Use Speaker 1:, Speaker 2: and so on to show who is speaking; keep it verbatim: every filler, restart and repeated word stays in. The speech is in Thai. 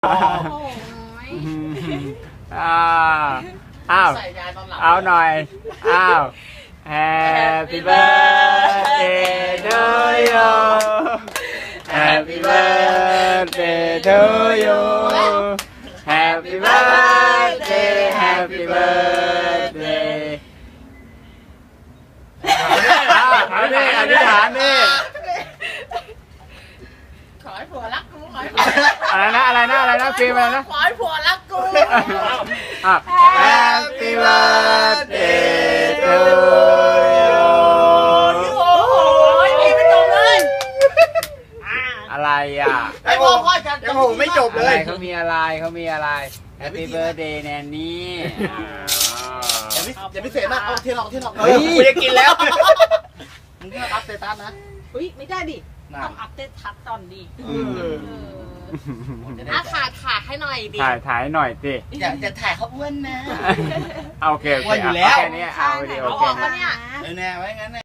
Speaker 1: อ้าวอ้าวเอาหน่อยอ้าว Happy birthday to you Happy birthday to you Happy birthday Happy birthday อ้าวเอาดิอธิษฐานดิ
Speaker 2: ขอให้ผัวรักกูขอให้ผัว
Speaker 1: อะไรนะอะไรนะอะไรนะฟิล์มอะไรนะ
Speaker 2: ขอให้ผัวรักกู
Speaker 1: Happy birthday to you
Speaker 2: โอ้โหพี่ไม่จบเลย
Speaker 1: อะไรอ่ะ
Speaker 2: ไอ้พ่อพ่อจะยังโหไม่จบเล
Speaker 1: อะไร
Speaker 2: ย
Speaker 1: เขามีอะไรเขามีอะไร Happy birthday แนนนี่
Speaker 2: อย่าพิอย่าพิเศษมากเอาเทียนออกเทียนออก
Speaker 1: เฮ้ยกูจะกินแล้ว
Speaker 2: มึงก็อัพเตตัสนะ
Speaker 3: อุ้ยไม่ได้ดิต้องอัปเดตทัดตอนดีอาขาดขาดให้หน่อยดิ
Speaker 1: ถ่ายถ่ายหน่อยสิ
Speaker 2: อย่าจะถ่ายเขาอ้วนนะ
Speaker 1: โอเคโอเค
Speaker 2: อ้วนอยู่แล้ว
Speaker 1: แค่นี้เอาเดียว
Speaker 3: เอา
Speaker 1: โอ
Speaker 3: อ
Speaker 1: เค
Speaker 3: อกแล้วเนี่ย
Speaker 2: เออแน่ไว้งั้น